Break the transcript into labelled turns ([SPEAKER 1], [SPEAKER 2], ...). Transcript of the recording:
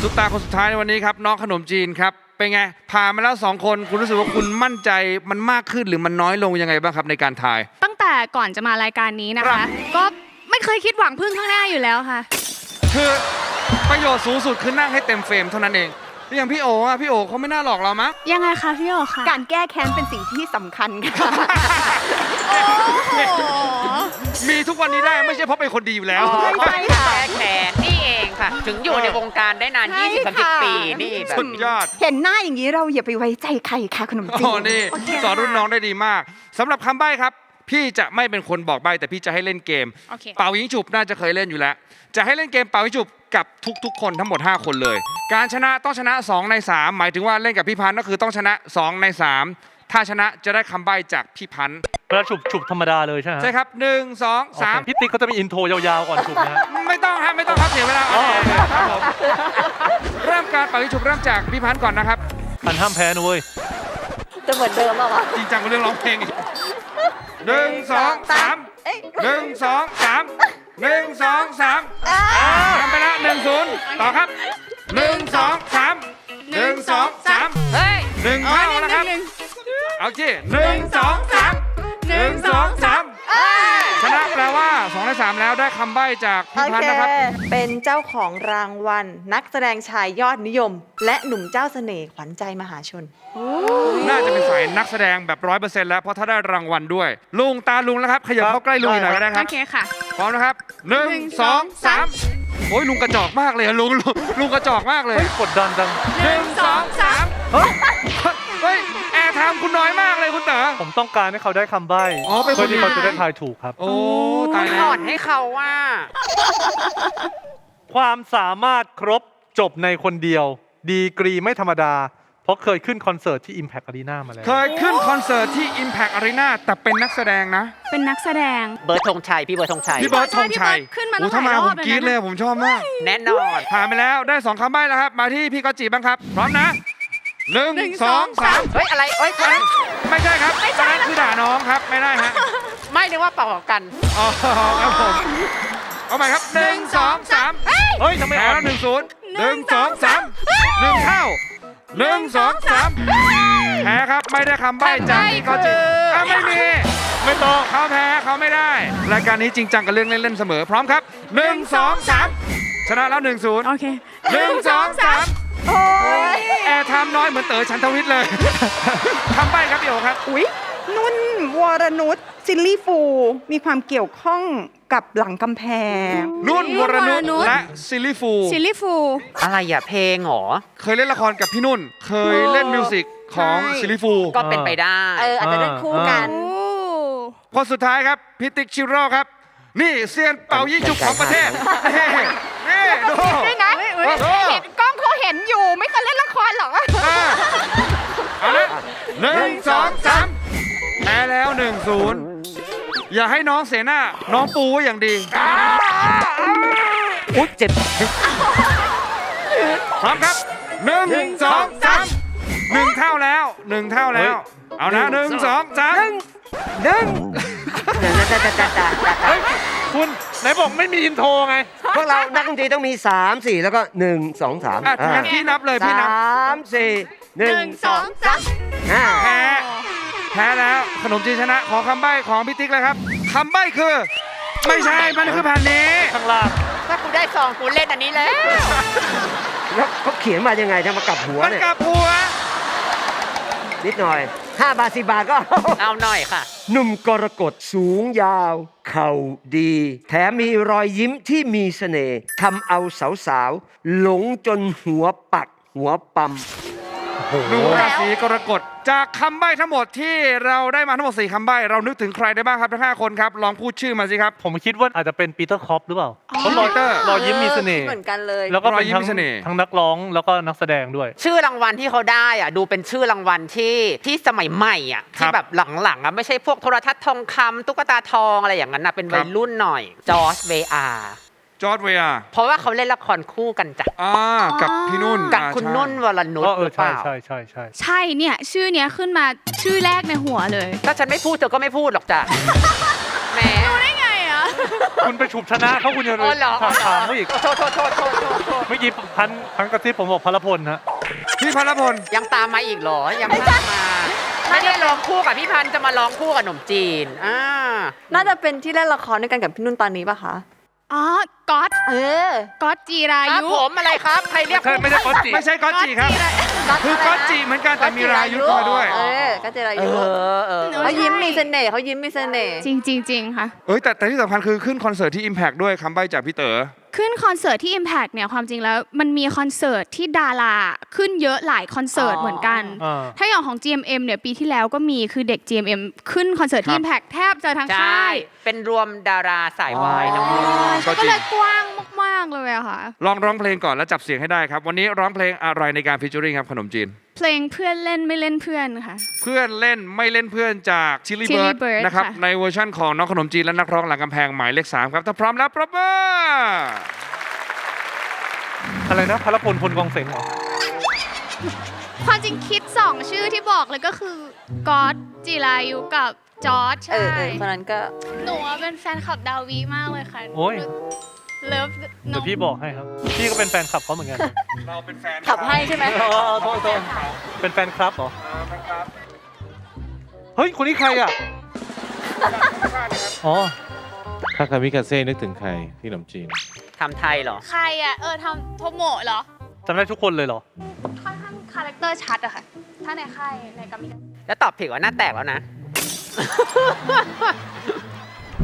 [SPEAKER 1] ซุปตาคนสุดท้ายในวันนี้ครับน้องขนมจีนครับเป็นไงผ่านมาแล้ว2 คนคุณรู้สึกว่าคุณมั่นใจมันมากขึ้นหรือมันน้อยลงยังไงบ้างครับในการทาย
[SPEAKER 2] ตั้งแต่ก่อนจะมารายการนี้นะคะ ก็ไม่เคยคิดหวังพึ่งข้างหน้าอยู่แล้วค่ะ
[SPEAKER 1] คือประโยชน์สูงสุดคือนั่งให้เต็มเฟรมเท่านั้นเองอย่างพี่โอ๋พี่โอ๋เขาไม่น่าหลอกเรามั้ง
[SPEAKER 2] ยังไงคะพี่โอคะ
[SPEAKER 3] การแก้แค้นเป็นสิ่งที่สำคัญค่ะ
[SPEAKER 1] มีทุกวันนี้ได้ไม่ใช่เพราะเป็นคนดีอยู่แล้ว
[SPEAKER 3] ใช่ค่ะ
[SPEAKER 4] แก้แค้นนี่เองค่ะถึงอยู่ในวงการได้นาน20-30 ปีนี่แบบ
[SPEAKER 1] สุดยอด
[SPEAKER 3] เห็นหน้าอย่างนี้เราอย่าไปไว้ใจใครค่ะขนมจีน
[SPEAKER 1] นี่สอนรุ่นน้องได้ดีมากสำหรับคำใบ้ครับพี่จะไม่เป็นคนบอกใบ้แต่พี่จะให้เล่นเกมเป่ายิงฉุบน่าจะเคยเล่นอยู่แล้วจะให้เล่นเกมเป่ายิงฉุบกับทุกๆคนทั้งหมด5 คนเลยการชนะต้องชนะ2 ใน 3หมายถึงว่าเล่นกับพี่พันธ์ก็คือต้องชนะ2 ใน 3ถ้าชนะจะได้คำใบ้จากพี่พันธ์
[SPEAKER 5] แล้วฉุบธรรมดาเลยใช่ไหม
[SPEAKER 1] ใช่ครับ1 2 3
[SPEAKER 5] พี่ติ๊กเขาจะมีอินโทรยาวๆก่อนฉุบนะ
[SPEAKER 1] ไม่ต้องครับเสียเวลาครับผมเริ่มการเป่ายิงฉุบเริ่มจากพี่พันธ์ก่อนนะครับ
[SPEAKER 5] พันห้ามแพ้นะเว้ย
[SPEAKER 3] จะเหมือนเดิมป่ะวะ
[SPEAKER 1] จริงจังกับเรื่องร้องเพลง1 2 3 1 2 3 1 2 3ทำไปแล้ว1-0ต่อครับ1 2 3 1 2 3
[SPEAKER 4] เฮ้ย
[SPEAKER 1] 1 เท่าแล้วครับเอาจี1 2 3 1 2 3ชนะแปลว่า2 ใน 3แล้วได้คำใบ้จากพี่พันธ์นะครับ
[SPEAKER 3] เป็นเจ้าของรางวัลนักแสดงชายยอดนิยมและหนุ่มเจ้าเสน่ห์ขวัญใจมหาชน
[SPEAKER 1] น่าจะเป็นสายนักแสดงแบบ100%แล้วเพราะถ้าได้รางวัลด้วยลุงตาลุงแล้วครับขยับเข้าใกล้ลุงหน่อยก็ได้ครับ
[SPEAKER 2] โอเคค่ะ
[SPEAKER 1] พร้อมนะครับ1 2 3โอ้ยลุงกระจอกมากเลยลุงกระจอกมากเลย
[SPEAKER 5] กดดันจัง
[SPEAKER 1] 1 2 3เฮ้ยแอร์ไทม์คุณน้อยมากเลยคุณเต๋อ
[SPEAKER 5] ผมต้องการให้เขาได้คำใบ้เพื่อที่เขาจะได้ทายถูกครับ
[SPEAKER 1] โอ้ตายแล้ว
[SPEAKER 4] สอนให้เขาว่า
[SPEAKER 5] ความสามารถครบจบในคนเดียวดีกรีไม่ธรรมดาเพราะเคยขึ้นคอนเสิร์ตที่ Impact Arena มาแล้ว
[SPEAKER 1] เคยขึ้นคอนเสิร์ตที่ Impact Arena แต่เป็นนักแสดงนะ
[SPEAKER 2] เป็นนักแสดง
[SPEAKER 4] เบิร์ดธงชัยพี่เบิร์ดธงชัย
[SPEAKER 2] ขึ้นมา
[SPEAKER 1] ถ้ามาผมกรี๊ดเลยผมชอบมาก
[SPEAKER 4] แน่นอน
[SPEAKER 1] ผ่านไปแล้วได้2 คำใบ้แล้วครับมาที่พี่ก๊อตจิบ้างครับพร้อมนะ1 2 3
[SPEAKER 4] เฮ้ยอะไรเฮ้ย
[SPEAKER 1] ไม่ใช่ครับนั่นคือด่าน้องครับไม่ได้ฮะ
[SPEAKER 4] ไม่นึกว่าเป่ากัน
[SPEAKER 1] อ๋อครับผมเอาใหม่ครับ1 2 3
[SPEAKER 5] เฮ้ยทำไม
[SPEAKER 1] แล้ว1-0 1 2 3 1 เท่า1 2 3แพ้ครับไม่ได้คำใบ้จากพี่ก๊อตจิไม่ต้องเขาแพ้เขาไม่ได้รายการนี้จริงจังกับเรื่องเล่นๆเสมอพร้อมครับ1 2 3ชนะแล้ว1-0
[SPEAKER 2] โอเค
[SPEAKER 1] 1 2 3โอ้ยแอร์ไทม์น้อยเหมือนเต๋อฉันทวิทย์เลยคำใบ้ครับพี่โอครับ
[SPEAKER 3] อุ๊ยนุ่นวรนุชซิลลี่ฟูมีความเกี่ยวข้องกับหลังกำแพง
[SPEAKER 1] นุ่นวรนุชและซิลลี่ฟู
[SPEAKER 4] อะไรอ่ะเพลงหรอ
[SPEAKER 1] เคยเล่นละครกับพี่นุ่นเคยเล่นมิวสิกของซิลลี่ฟู
[SPEAKER 4] ก็เป็นไปได้
[SPEAKER 3] อาจจะเล่นคู่กัน
[SPEAKER 1] คนสุดท้ายครับพิติกชิโร่ครับนี่เซียนเป่ายิงฉุบของประเทศนี่ดู
[SPEAKER 3] ด้วยนะเห็นกล้องเขาเห็นอยู่ไม่เคยเล่นละครหรอ
[SPEAKER 1] เอาละ1 2 3แพ้แล้ว1-0อย่าให้น้องเสียหน้าน้องปูไว้อย่างดี
[SPEAKER 4] อุ๊ยเจ็บ
[SPEAKER 1] พร้อมครับ1 2 3 1 เท่าแล้วเอานะ1 2 3
[SPEAKER 5] คุณไหนบอกไม่มีอินโทรไง
[SPEAKER 6] พวกเรานักดนตรีต้องมี3 4แล้วก็1 2 3
[SPEAKER 1] พี่นับเลยพี่นับ
[SPEAKER 6] 3 4 1 2 3
[SPEAKER 1] แพ้แล้วขนมจีนชนะขอคำใบ้ของพี่ติ๊กเลยครับคำใบ้คือไม่ใช่มันคือแผ่นนี้
[SPEAKER 5] ข้างล่าง
[SPEAKER 4] ถ้ากูได้2กูเล่นอันนี้แล้ว
[SPEAKER 6] เขาเขียนมายังไงจะมากลับหัว
[SPEAKER 1] เนี่ยมันกลับหัว
[SPEAKER 6] นิดหน่อย5 บาท10 บาทก็
[SPEAKER 4] เอาหน่อยค่ะ
[SPEAKER 6] หนุ่มกรกฎสูงยาวเข่าดีแถมมีรอยยิ้มที่มีเสน่ห์ทำเอาสาวๆหลงจนหัวปักหัวปั๊ม
[SPEAKER 1] หนุ่มราศีกรกฎจากคำใบ้ทั้งหมดที่เราได้มาทั้งหมด4 คำใบ้เรานึกถึงใครได้บ้างครับทั้ง5 คนครับลองพูดชื่อมาสิครับ
[SPEAKER 5] ผมคิดว่าอาจจะเป็นปีเตอร์คอปหรือเปล่าเพราะรอยยิ้มมีเสน่ห์
[SPEAKER 3] เหมือนกันเลย
[SPEAKER 5] แล้วก็เป็นทั้งนักร้องแล้วก็นักแสดงด้วย
[SPEAKER 4] ชื่อรางวัลที่เขาได้อ่ะดูเป็นชื่อรางวัลที่สมัยใหม่อ่ะที่แบบหลังๆอ่ะไม่ใช่พวกโทรทัศน์ทองคำตุ๊กตาทองอะไรอย่างนั้นนะเป็นวัยรุ่นหน่อยจอร์จเวอาเพราะว่าเขาเล่นละครคู่กันจ้ะ
[SPEAKER 1] กับพี่นุ่น
[SPEAKER 4] กับคุณนุ่นวรนุชหรือเปล่า
[SPEAKER 5] ใช่
[SPEAKER 2] เนี่ยชื่อเนี้ยขึ้นมาชื่อแรกในหัวเลย
[SPEAKER 4] ถ้าฉันไม่พูดเธอก็ไม่พูดหรอกจ้ะแหม
[SPEAKER 2] รู้ได้ไงอ่ะ
[SPEAKER 5] คุณไปฉุบชนะเขาคุณจะ
[SPEAKER 4] อ๋อเหรอ
[SPEAKER 5] ถามเขาอีก
[SPEAKER 4] โทษ
[SPEAKER 5] เมื่อกี้พันกระซิบผมบอกพลพลฮะ
[SPEAKER 1] พี่พลพล
[SPEAKER 4] ยังตามมาอีกเหรอ ยังตามมา ไม่ได้ร้องคู่กับพี่พันธุ์จะมาร้องคู่กับหนุ่มจีน
[SPEAKER 3] น่าจะเป็นที่เล่นละครด้วยกันกับพี่นุ่นตอนนี้ป่ะคะ
[SPEAKER 2] อ๋อก๊อต
[SPEAKER 3] อ
[SPEAKER 2] ก๊อตจีรา
[SPEAKER 4] ครับ
[SPEAKER 2] ยุ
[SPEAKER 4] ผมอะไรครับ ใครเรียก
[SPEAKER 5] ไม่ใช่ก๊อตจิ
[SPEAKER 1] ไม่ใช่ก๊อตจีครับ คือก๊อตจีเหมือนกันแต่มีรายุทธ์มาด้วย
[SPEAKER 3] ก็จิรายุ
[SPEAKER 2] หนู
[SPEAKER 3] เขายิ้มมีเสน่ห์เขายิ้มมีเสน่ห์
[SPEAKER 2] จริงค่ะ
[SPEAKER 1] เอ้ยแต่ที่สำคัญคือขึ้นคอนเสิร์ตที่ Impact ด้วยคำใบ้จากพี่เต๋อ
[SPEAKER 2] ขึ้นคอนเสิร์ตที่ Impact เนี่ยความจริงแล้วมันมีคอนเสิร์ตที่ดาราขึ้นเยอะหลายคอนเสิร์ตเหมือนกัน ถ้าอย่างของ GMM เนี่ยปีที่แล้วก็มีคือเด็ก GMM ขึ้นคอนเสิร์ตที่ Impact แทบจะทั้ง
[SPEAKER 4] ใช่
[SPEAKER 2] ค่าย
[SPEAKER 4] เป็นรวมดาราสายวายทั้งหมด
[SPEAKER 2] ก็เลยกว้างมากๆเลยอะค่ะ
[SPEAKER 1] ลองร้องเพลงก่อนแล้วจับเสียงให้ได้ครับ วันนี้ร้องเพลงอะไรในการฟีเจอริ่งครับขนมจีน
[SPEAKER 2] เพลงเพื่อนเล่นไม่เล่นเพื่อนค่ะ
[SPEAKER 1] เพื่อนเล่นไม่เล่นเพื่อนจาก Chili
[SPEAKER 2] Chili
[SPEAKER 1] Bird
[SPEAKER 2] Bird
[SPEAKER 1] นะครับ
[SPEAKER 2] ค่ะ
[SPEAKER 1] ในเวอร์ชั่นของน้องขนมจีนและนักร้องหลังกำแพงหมายเลข 3 ครับถ้าพร้อมแล้วปรบมือ
[SPEAKER 5] อะไรนะพลพลพลกองเสงเหรอ
[SPEAKER 2] ความจริงคิด 2 ชื่อที่บอกเลยก็คือก๊อตจิรายุกับจอร์จใช่
[SPEAKER 3] คนนั้นก็
[SPEAKER 2] หนูว่าเป็นแฟนคลับดาวีมากเลยค่ะ
[SPEAKER 5] โอ้ย
[SPEAKER 2] เลิฟน้
[SPEAKER 5] เดี๋
[SPEAKER 2] อย ง
[SPEAKER 5] วพี่บอกให้ครับ พี่ก็เป็นแฟนคลับเขาเหมือนกัน
[SPEAKER 1] เราเป็นแฟน
[SPEAKER 3] ขับให้ใช่ไหม
[SPEAKER 5] โทษเป็นแฟนคลับเหรอ เฮ้ย คนนี้ใครอ่ะ อ๋อ
[SPEAKER 7] ถ้าคามิคาเซ่นึกถึงใครพี่ขนมจีน
[SPEAKER 4] ทำไทยเหรอ
[SPEAKER 2] ใครอ่ะทำโทโมะเหรอ
[SPEAKER 5] จำได้ทุกคนเลยเหรอ
[SPEAKER 2] ค่อนข้างคาแรคเตอร์ชัดอะค่ะ ถ้าในค่ายในกามิกา
[SPEAKER 4] แล้วตอบผิดว่าหน้าแตกแล้วนะ